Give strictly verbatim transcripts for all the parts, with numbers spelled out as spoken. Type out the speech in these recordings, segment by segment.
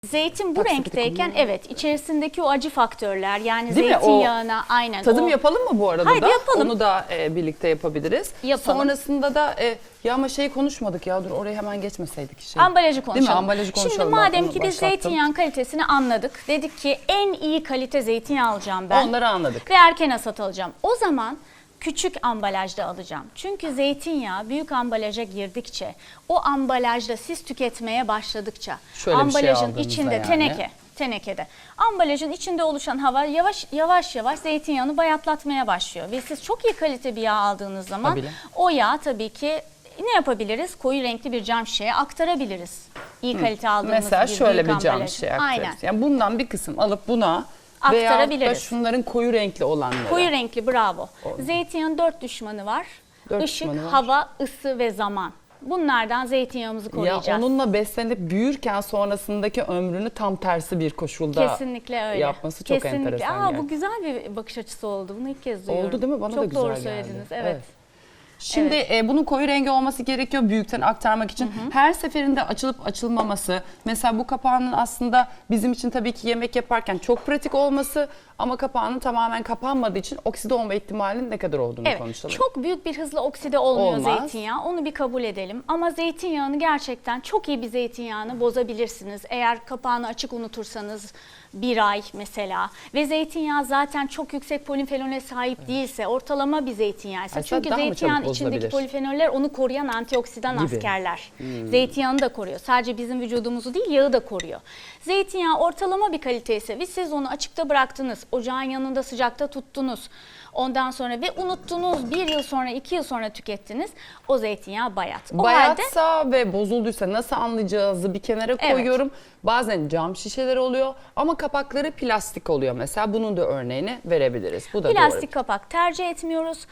Zeytin bu Bak, renkteyken evet içerisindeki o acı faktörler yani Değil mi? zeytinyağına aynen. Tadım o... yapalım mı bu arada Haydi da? yapalım. Onu da e, birlikte yapabiliriz. Yapalım. Sonrasında da e, ya ama şeyi konuşmadık ya, dur oraya hemen geçmeseydik. Şey. Ambalajı konuşalım. Değil mi? Ambalajı konuşalım. Şimdi Ben madem onu ki biz başlattım. zeytinyağın kalitesini anladık. Dedik ki en iyi kalite zeytinyağı alacağım ben. Onları anladık. Ve erken hasat alacağım. O zaman küçük ambalajda alacağım. Çünkü zeytinyağı büyük ambalaja girdikçe, o ambalajda siz tüketmeye başladıkça, Şöyle bir şey ambalajın aldığınızda içinde yani. teneke, tenekede, ambalajın içinde oluşan hava yavaş yavaş yavaş zeytinyağını bayatlatmaya başlıyor. Ve siz çok iyi kalite bir yağ aldığınız zaman Tabii. o yağ tabii ki ne yapabiliriz? Koyu renkli bir cam şişeye aktarabiliriz. İyi kalite aldığımız Mesela bir şöyle büyük bir cam ambalajı. şey Aynen. aktarız. Yani bundan bir kısım alıp buna veya da Aktarabiliriz. şunların koyu renkli olanları. Koyu renkli bravo. Zeytinyağın dört düşmanı var. Dört Işık, düşmanı var. hava, ısı ve zaman. Bunlardan zeytinyağımızı Ya koruyacağız. onunla beslenip büyürken sonrasındaki ömrünü tam tersi bir koşulda Kesinlikle öyle. yapması çok Kesinlikle. enteresan. Aa, yani. bu güzel bir bakış açısı oldu. Bunu ilk kez duyuyorum. Oldu değil mi? Bana çok da güzel doğru geldi. söylediniz. Evet. Evet. Şimdi e, bunun koyu rengi olması gerekiyor büyükten aktarmak için. Hı hı. Her seferinde açılıp açılmaması. Mesela bu kapağının aslında bizim için tabii ki yemek yaparken çok pratik olması ama kapağının tamamen kapanmadığı için okside olma ihtimalinin ne kadar olduğunu Evet, konuşalım. çok büyük bir hızla okside olmuyor Olmaz. zeytinyağı. Onu bir kabul edelim. Ama zeytinyağını gerçekten çok iyi bir zeytinyağını bozabilirsiniz. Eğer kapağını açık unutursanız bir ay mesela ve zeytinyağı zaten çok yüksek polifenole sahip değilse, ortalama bir zeytinyağı ise. Aslında Çünkü daha mı zeytinyağının çabuk içindeki bozulabilir? polifenoller onu koruyan antioksidan Gibi. askerler. Hmm. Zeytinyağını da koruyor. Sadece bizim vücudumuzu değil, yağı da koruyor. Zeytinyağı ortalama bir kalite ise ve siz onu açıkta bıraktınız, ocağın yanında sıcakta tuttunuz. Ondan sonra ve unuttunuz, bir yıl sonra, iki yıl sonra tükettiniz. O zeytinyağı bayat. O halde Bayatsa ve bozulduysa nasıl anlayacağızı bir kenara Evet. koyuyorum. Bazen cam şişeler oluyor ama kapakları plastik oluyor mesela. Bunun da örneğini verebiliriz. Bu da plastik doğru. kapak tercih etmiyoruz.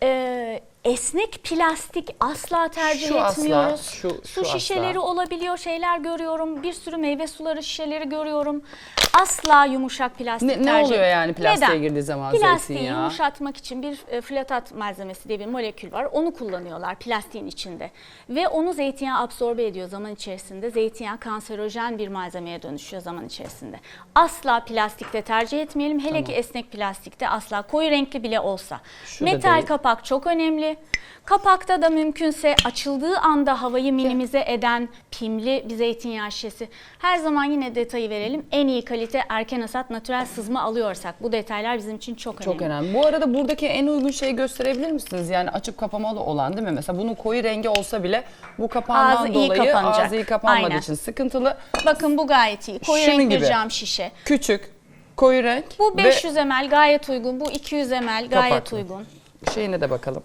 Ee, esnek plastik asla tercih Şu asla, etmiyoruz. şu- Su şu şişeleri asla. olabiliyor, şeyler görüyorum. Bir sürü meyve suları şişeleri görüyorum. Asla yumuşak plastik Ne, tercih ne oluyor yani plastiğe Neden? girdiği zaman Plastiği zeytinyağı? yumuşatmak için bir e, flatat malzemesi diye bir molekül var. Onu kullanıyorlar plastiğin içinde. Ve onu zeytinyağı absorbe ediyor zaman içerisinde. Zeytinyağı kanserojen bir malzemeye dönüşüyor zaman içerisinde. Asla plastikte tercih etmeyelim. Hele ki esnek plastikte asla, koyu renkli bile olsa. Şurada Metal değil. kapak çok önemli. Kapakta da mümkünse açıldığı anda havayı minimize eden pimli bir zeytinyağı şişesi. Her zaman yine detayı verelim. En iyi kalite erken hasat natürel sızma alıyorsak bu detaylar bizim için çok önemli. Çok önemli. Bu arada buradaki en uygun şeyi gösterebilir misiniz? Yani açıp kapamalı olan değil mi? Mesela bunun koyu rengi olsa bile bu kapağından Ağzı iyi dolayı kapanacak. ağzı iyi kapanmadığı Aynen. için sıkıntılı. Bakın bu gayet iyi. Koyu Şunun renk bir gibi. cam şişe. Küçük, koyu renk Bu ve beş yüz mililitre gayet uygun. Bu iki yüz mililitre gayet Kapaklı. uygun. şeyine de bakalım.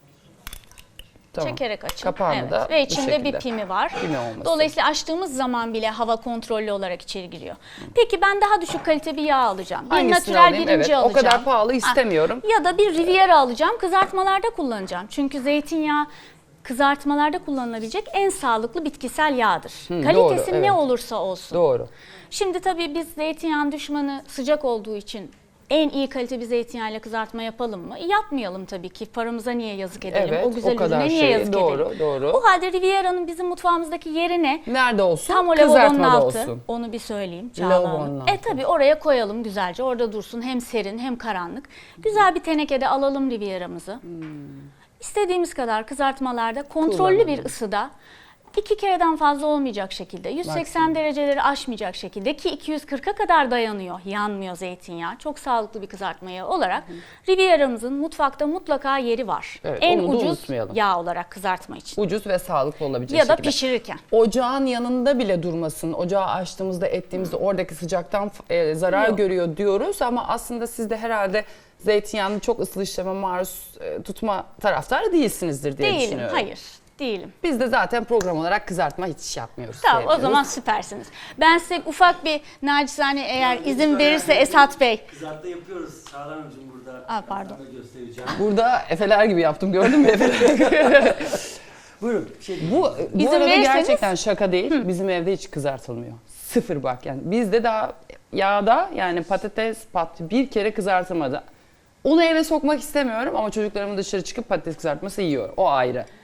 Tamam. Çekerek açın. Kapağını Evet. da Ve bu içinde şekilde. bir pimi var. Pimi olması. Dolayısıyla açtığımız zaman bile hava kontrollü olarak içeri giriyor. Peki ben daha düşük kalite bir yağ alacağım. Bir Hangisini natürel alayım? birinci Evet, o alacağım. kadar pahalı istemiyorum. Ha, ya da bir Riviera alacağım. Kızartmalarda kullanacağım. Çünkü zeytinyağı kızartmalarda kullanılabilecek en sağlıklı bitkisel yağdır. Hı, Kalitesi doğru, ne evet. olursa olsun. Doğru. Şimdi tabii biz zeytinyağın düşmanı sıcak olduğu için en iyi kalite bir zeytinyağıyla kızartma yapalım mı? Yapmayalım tabii ki. Paramıza niye yazık edelim? Evet, o güzel o kadar ürüne niye şey, yazık doğru, edelim? doğru. O halde Riviera'nın bizim mutfağımızdaki yeri ne? Nerede olsun? Tam o lavabonun Kızartmada altı. olsun. Onu bir söyleyeyim Çağla Lavabonun Hanım. altı. E tabii oraya koyalım güzelce. Orada dursun, hem serin hem karanlık. Güzel bir tenekede alalım Riviera'mızı. Hmm. İstediğimiz kadar kızartmalarda kontrollü Kullanalım. bir ısıda, iki kereden fazla olmayacak şekilde, yüz seksen Maksimum. dereceleri aşmayacak şekilde, ki iki yüz kırka kadar dayanıyor, yanmıyor zeytinyağı. Çok sağlıklı bir kızartma yağı olarak Riviera'mızın mutfakta mutlaka yeri var. Evet, en onu da ucuz unutmayalım. yağ olarak kızartma için. Ucuz ve sağlıklı olabilecek Ya da şekilde. pişirirken. Ocağın yanında bile durmasın. Ocağı açtığımızda, ettiğimizde oradaki sıcaktan e, zarar Yok. görüyor diyoruz ama aslında siz de herhalde zeytinyağını çok ısıl işleme maruz e, tutma taraftarı değilsinizdir diye Değilim, düşünüyorum. hayır. Değilim. Biz de zaten program olarak kızartma hiç yapmıyoruz. Tamam, o sevmiyoruz. zaman süpersiniz. Ben size ufak bir nacizane, eğer izin verirse Esat Bey. Kızartma yapıyoruz. Çağla Hanımcığım burada. Aa, pardon. Ben de göstereceğim. Burada efeler gibi yaptım, gördün mü efeler? Buyurun. Şey, Bu, bu İzin arada verirseniz- gerçekten şaka değil. Bizim evde hiç kızartılmıyor. Sıfır bak yani. Bizde daha yağda yani patates pat bir kere kızartılmadı. Onu eve sokmak istemiyorum ama çocuklarımın dışarı çıkıp patates kızartması yiyor. O ayrı.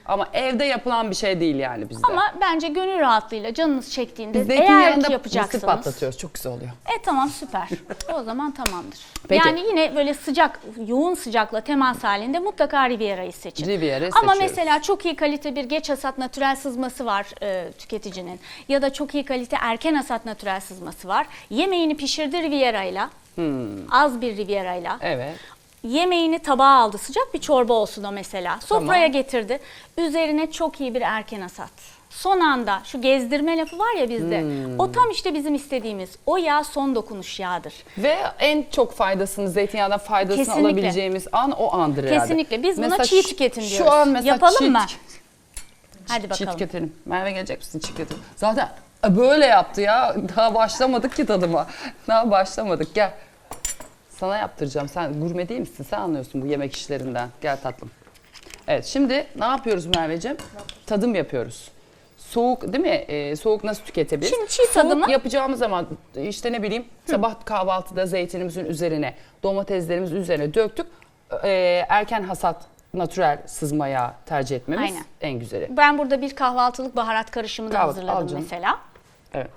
Ama evde yapılan bir şey değil yani bizde. Ama bence gönül rahatlığıyla canınız çektiğinde Biz eğer zeytinyağında ki mısır yapacaksanız. patlatıyoruz. Çok güzel oluyor. E tamam, süper. O zaman tamamdır. Peki. Yani yine böyle sıcak, yoğun sıcakla temas halinde mutlaka Riviera'yı seçin. Riviera'yı Ama seçiyoruz. mesela çok iyi kalite bir geç hasat natürel sızması var e, tüketicinin. Ya da çok iyi kalite erken hasat natürel sızması var. Yemeğini pişirdi Riviera'yla. Hmm. Az bir Riviera'yla. Evet. Yemeğini tabağa aldı. Sıcak bir çorba olsun o mesela. Sofraya Tamam. getirdi. Üzerine çok iyi bir erken hasat. Son anda şu gezdirme lafı var ya bizde. Hmm. O tam işte bizim istediğimiz. O yağ son dokunuş yağdır. Ve en çok faydasını, zeytinyağından faydasını Kesinlikle. alabileceğimiz an o andır herhalde. Kesinlikle. Biz buna Mesela çiğ şu- tüketim diyoruz. Şu an mesela Yapalım çiğ, mı? çiğ- Hadi Çiğ bakalım. tüketelim. Merve gelecek misin çiğ tüketelim? Zaten böyle yaptı ya. Daha başlamadık ki tadıma. Daha başlamadık. Gel. Sana yaptıracağım. Sen gurme değil misin? Sen anlıyorsun bu yemek işlerinden. Gel tatlım. Evet, şimdi ne yapıyoruz Merveciğim? Tadım yapıyoruz. Soğuk değil mi? Ee, soğuk nasıl tüketebiliriz? Şimdi çiğ tadımı- Soğuk yapacağımız zaman işte ne bileyim sabah kahvaltıda zeytinimizin üzerine, domateslerimizin üzerine döktük. Ee, erken hasat natürel sızma yağı tercih etmemiz Aynen. en güzeli. Ben burada bir kahvaltılık baharat karışımı da Kahvaltı, al hazırladım canım. mesela. Evet.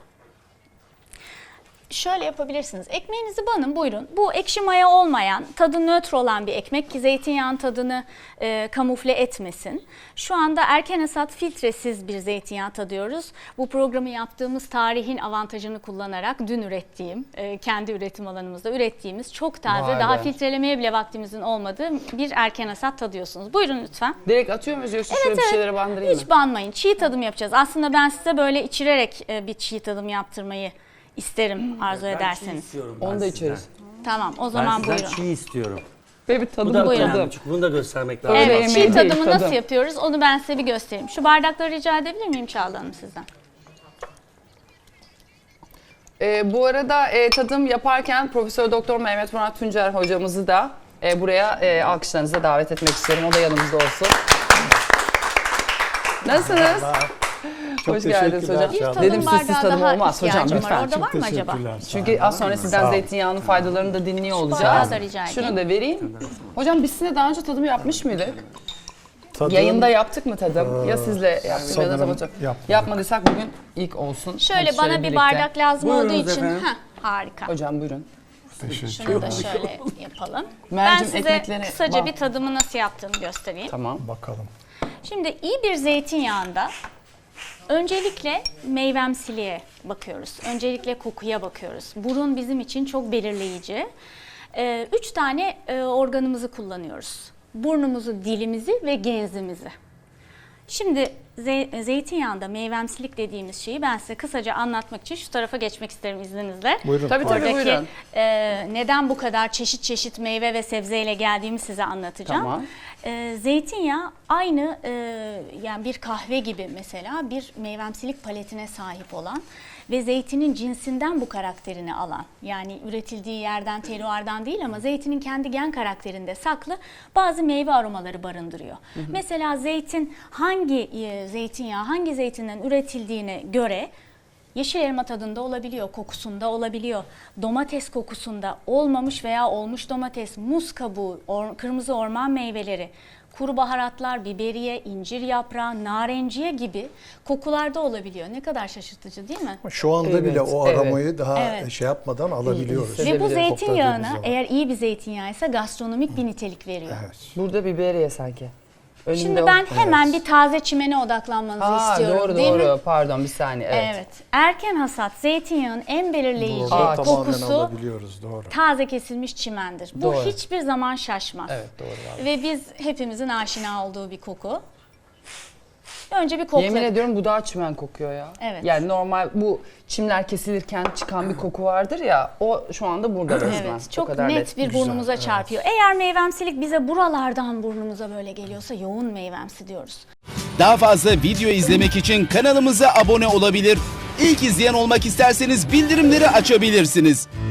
Şöyle yapabilirsiniz. Ekmeğinizi banın, buyurun. Bu ekşi maya olmayan, tadı nötr olan bir ekmek ki zeytinyağın tadını e, kamufle etmesin. Şu anda erken hasat filtresiz bir zeytinyağı tadıyoruz. Bu programı yaptığımız tarihin avantajını kullanarak dün ürettiğim, e, kendi üretim alanımızda ürettiğimiz çok taze, Vay daha be. filtrelemeye bile vaktimizin olmadığı bir erken hasat tadıyorsunuz. Buyurun lütfen. Direkt atıyor muyuz yoksa şöyle bir şeylere bandırayım mı? Hiç banmayın. Çiğ tadım yapacağız. Aslında ben size böyle içirerek e, bir çiğ tadım yaptırmayı isterim arzu Ben çiğ ederseniz. istiyorum. Onu ben da sizden. içeriz. Tamam, o Ben zaman sizden buyurun. çiğ istiyorum. Ve bir Bu tadım da Buyurun. önemli çünkü bunu da göstermek lazım. Öyle Evet, yemeği çiğ değil, tadımı tadım. nasıl yapıyoruz onu ben size bir göstereyim. Şu bardakları rica edebilir miyim Çağla Hanım sizden? Ee, bu arada e, tadım yaparken Profesör Doktor Mehmet Murat Tuncer hocamızı da e, buraya e, alkışlarınıza davet etmek istiyorum. O da yanımızda olsun. Nasılsınız? Çok Hoş geldiniz teşekkürler hocam. Bir Çağla. tadım Dedim siz- siz bardağı tadım daha olmaz hocam, ihtiyacım lütfen. var. Orada Çok var mı acaba? teşekkürler, sağ Çünkü olun. az sonra sizden Sağ olun. zeytinyağının faydalarını da dinliyor olacağız. bardağı da rica edeyim. Şunu da vereyim. Hocam biz sizinle daha önce tadım yapmış mıydık? Tadım- Yayında yaptık mı tadım? Ya sizle yaptık ya da sanırım tabii. yapmadık. Yapmadıysak bugün ilk olsun. Şöyle Hadi bana bir birlikte. bardak lazım Buyurunuz olduğu için. efendim. Heh, harika. Hocam buyurun. Şunu Teşekkürler. da şöyle yapalım. Ben Mercim, size ekmekleri kısaca bak. bir tadımı nasıl yaptığımı göstereyim. Tamam. Bakalım. Şimdi iyi bir zeytinyağında öncelikle meyvemsiliğe bakıyoruz. Öncelikle kokuya bakıyoruz. Burun bizim için çok belirleyici. Ee, üç tane e, organımızı kullanıyoruz. Burnumuzu, dilimizi ve genzimizi. Şimdi ze- zeytinyağında meyvemsilik dediğimiz şeyi ben size kısaca anlatmak için şu tarafa geçmek isterim izninizle. Buyurun. Tabii tabii Oradaki buyurun. e, neden bu kadar çeşit çeşit meyve ve sebzeyle geldiğimi size anlatacağım. Tamam. E, zeytinyağı aynı e, yani bir kahve gibi mesela bir meyvemsilik paletine sahip olan ve zeytinin cinsinden bu karakterini alan, yani üretildiği yerden, teruardan değil ama zeytinin kendi gen karakterinde saklı bazı meyve aromaları barındırıyor. Hı hı. Mesela zeytin hangi e, zeytinyağı hangi zeytinden üretildiğine göre yeşil elma tadında olabiliyor, kokusunda olabiliyor. Domates kokusunda olmamış veya olmuş domates, muz kabuğu, or, kırmızı orman meyveleri, kuru baharatlar, biberiye, incir yaprağı, narenciye gibi kokularda olabiliyor. Ne kadar şaşırtıcı değil mi? Şu anda Evet, bile o evet. aromayı daha Evet. şey yapmadan alabiliyoruz. Ve bu Sevebilirim, zeytinyağına kokladığımız zaman. eğer iyi bir zeytinyağıysa gastronomik bir nitelik veriyor. Evet. Burada biberiye sanki. Önümde Şimdi o- ben hemen bir taze çimene odaklanmanızı Aa, istiyorum doğru değil doğru. mi? Pardon bir saniye. Evet. Evet. Erken hasat zeytinyağının en belirleyici Burada tamamen kokusu alabiliyoruz. Doğru. taze kesilmiş çimendir. Bu Doğru. hiçbir zaman şaşmaz. Evet, doğru abi. Ve biz hepimizin aşina olduğu bir koku. Önce bir kokla. Yemin ediyorum bu daha çimen kokuyor ya. Evet. Yani normal bu çimler kesilirken çıkan bir koku vardır ya o şu anda burada resmen. Evet, O çok kadar net bir Güzel, burnumuza evet. çarpıyor. Eğer meyvemsilik bize buralardan burnumuza böyle geliyorsa yoğun meyvemsi diyoruz. Daha fazla video izlemek için kanalımıza abone olabilir. İlk izleyen olmak isterseniz bildirimleri açabilirsiniz.